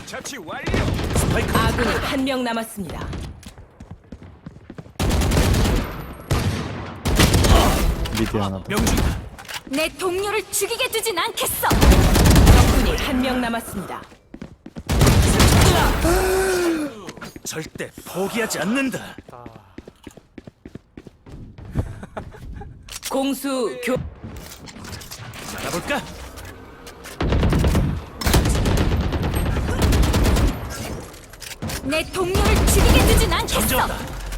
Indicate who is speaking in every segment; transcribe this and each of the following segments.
Speaker 1: 자치 완료.
Speaker 2: 스파이크
Speaker 3: 아군이 한 명 남았습니다.
Speaker 4: 미드 하나 더.
Speaker 2: 명중이다.
Speaker 3: 내 동료를 죽이게 두진 않겠어. 적군이 한 명 남았습니다.
Speaker 2: 절대 포기하지 않는다.
Speaker 3: 공수 교
Speaker 2: 알아볼까?
Speaker 3: 내 동료를 죽이게 두진 않겠어.
Speaker 2: 점점다.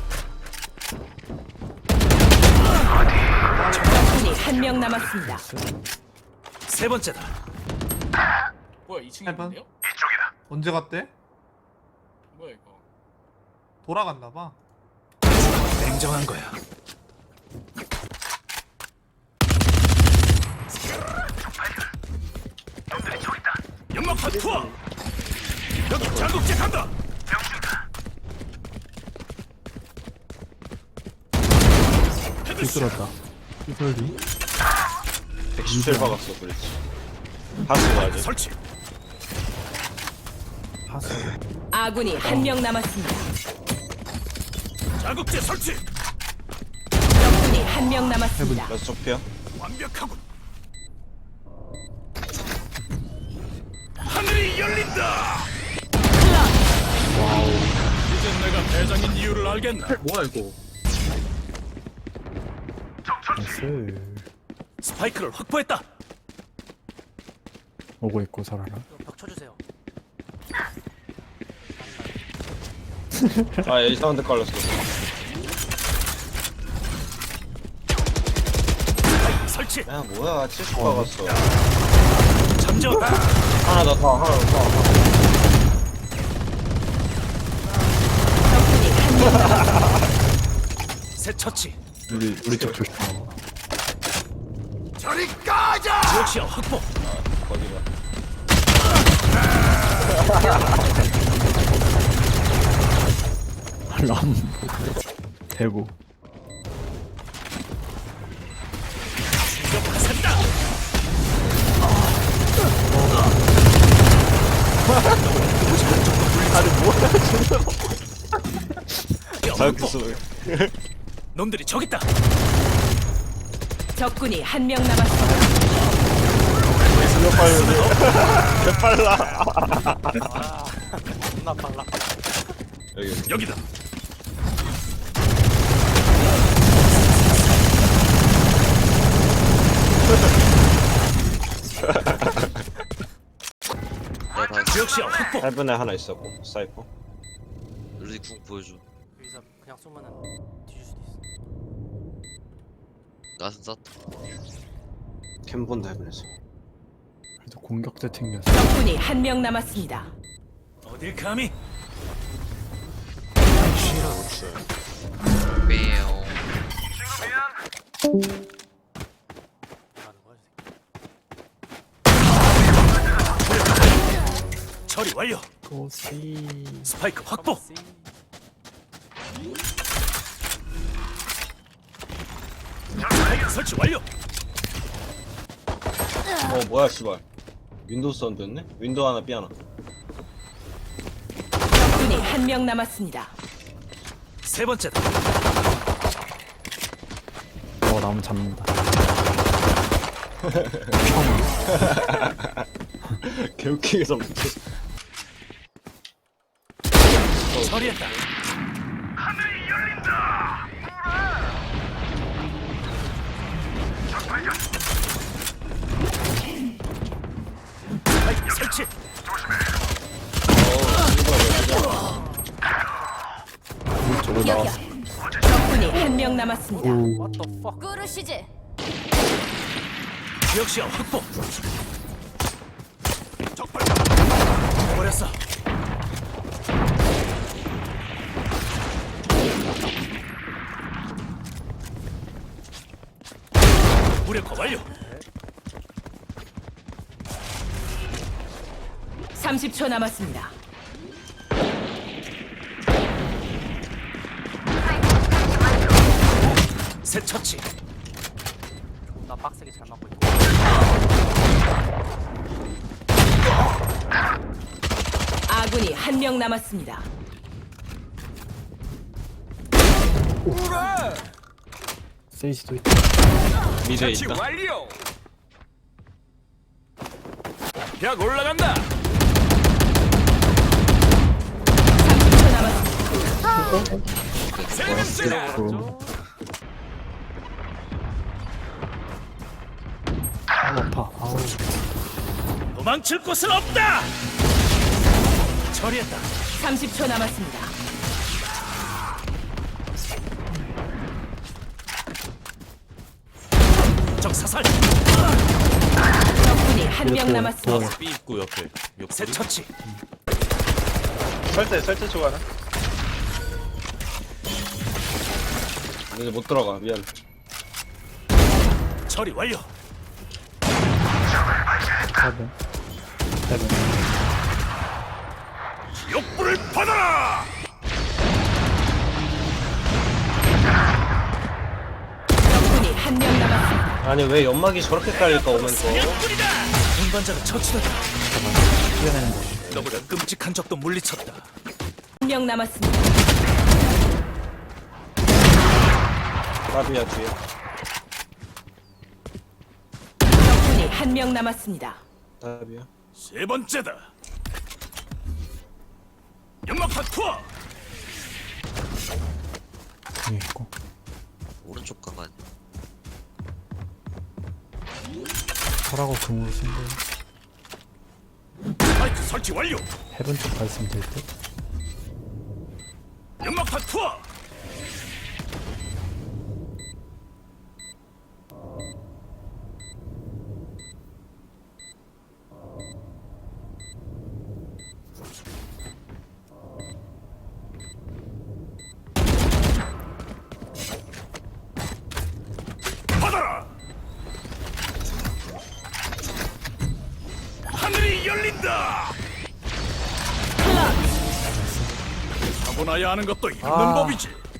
Speaker 3: 적군이 한 명 남았습니다.
Speaker 2: 세 번째다.
Speaker 1: 뭐야 2층에
Speaker 5: 해봐.
Speaker 1: 있는데요?
Speaker 5: 언제 갔대?
Speaker 1: 뭐야 이거?
Speaker 5: 돌아갔나봐.
Speaker 2: 냉정한 거야. 연막판 투하. 여기 자극제 간다.
Speaker 4: 삐뚤었다. 삐뚤리?
Speaker 6: 117 박았어 그랬지. 하수 가야지.
Speaker 2: 설치.
Speaker 4: 파수.
Speaker 3: 아군이 한 명 남았습니다.
Speaker 2: 자극제 설치.
Speaker 3: 적군이 한 명 남았습니다.
Speaker 6: 나 소피야.
Speaker 2: 완벽하군. 하늘이 열린다. 이제 내가 대장인 이유를 알겠나?
Speaker 1: 뭐야 이거?
Speaker 4: 나이스.
Speaker 2: 스파이크를 확보했다.
Speaker 4: 오고 있고 살아라.
Speaker 2: 벽 쳐주세요.
Speaker 6: 아 이상한 데 깔렸어.
Speaker 2: 설치.
Speaker 6: 야 뭐야 70 박았어.
Speaker 2: 잠재웠다.
Speaker 6: 하나 더 더, 하나 더.
Speaker 3: 적군이 한 명 남았습니다.
Speaker 2: 새 처치.
Speaker 4: 우리 쪽 조심.
Speaker 2: 저리 꺼져. 지역시야 확보.
Speaker 6: 거기가.
Speaker 4: 람. 대구.
Speaker 2: 공격 화살이다.
Speaker 6: 자극 쏘.
Speaker 2: 놈들이 저기 있다.
Speaker 3: 적군이 한 명 남았습니다.
Speaker 6: 여기.
Speaker 2: 여기다. 지역시야 확보.
Speaker 6: 8분에 하나 있었고 사이퍼.
Speaker 7: 루디 궁 보여줘.
Speaker 8: 여기서 그냥 쏘면은 뒤질 수도 있어.
Speaker 7: 나는 쐈다.
Speaker 6: 캠본다 해븐에서.
Speaker 4: 그래도 공격대 챙겼어.
Speaker 3: 적군이 한 명 남았습니다.
Speaker 2: 어딜 감히?
Speaker 7: 매우.
Speaker 8: 뭐라는 거야, 저
Speaker 2: 처리 완료.
Speaker 4: 고시.
Speaker 2: 스파이크 확보.
Speaker 8: 새끼.
Speaker 2: 스파이크 설치 완료.
Speaker 6: 뭐야 씨발. 윈도우 사운드였네? 윈도우 하나 삐 하나.
Speaker 3: 적군이 한 명 남았습니다.
Speaker 2: 세 번째다.
Speaker 4: 나무 잡는다.
Speaker 6: 개웃기게 잡혔어.
Speaker 2: 처리했다. 스파이크 설치.
Speaker 4: 저거 나와.
Speaker 3: 적군이 한 명 남았습니다.
Speaker 4: 오.
Speaker 8: What the fuck?
Speaker 3: 꾸르시즈.
Speaker 2: 지역시야 확보. 적발자. 버렸어. 무력화 완료.
Speaker 3: 30초 남았습니다.
Speaker 2: 새 처치.
Speaker 8: 나 빡세게 잘 맞고 있고.
Speaker 3: 명 남았습니다.
Speaker 4: 세이지도 있다.
Speaker 6: 미드에 있다.
Speaker 2: 완료. 벽 올라간다.
Speaker 3: 30초 남았습니다.
Speaker 2: 세 번째.
Speaker 4: 그... 아파. 아우.
Speaker 2: 도망칠 곳은 없다. 처리했다.
Speaker 3: 30초 남았습니다.
Speaker 2: 적 사살.
Speaker 3: 적군이 한 명
Speaker 4: 이렇게
Speaker 3: 남았습니다.
Speaker 9: B 입구 옆에
Speaker 2: 새 처치.
Speaker 6: 설대 좋아하나? 이제 못 들어가. 미안.
Speaker 2: 처리 완료.
Speaker 4: 헤븐. 헤븐.
Speaker 2: 욕불을 받아라.
Speaker 3: 적군이 한 명 남았습니다.
Speaker 6: 아니 왜 연막이 저렇게 깔릴까 오면 또.
Speaker 2: 사냥꾼이다. 운반자가 처치됐다.
Speaker 4: 뛰어내는 거.
Speaker 2: 너보다 끔찍한 적도 물리쳤다.
Speaker 3: 한 명 남았습니다.
Speaker 6: 나비야 뒤에.
Speaker 3: 적군이 한 명 남았습니다.
Speaker 6: 나비야.
Speaker 2: 세 번째다. 연막탄 투하.
Speaker 4: 여기 있고.
Speaker 7: 오른쪽 가만.
Speaker 4: 설하고 금으로 쓴데
Speaker 2: 스파이크 설치 완료.
Speaker 4: 헤븐 쪽 가 있으면 될 듯.
Speaker 2: 연막탄 투하. 받아라. 하늘이 열린다. 타고나야 하는 것도 있는 법이지.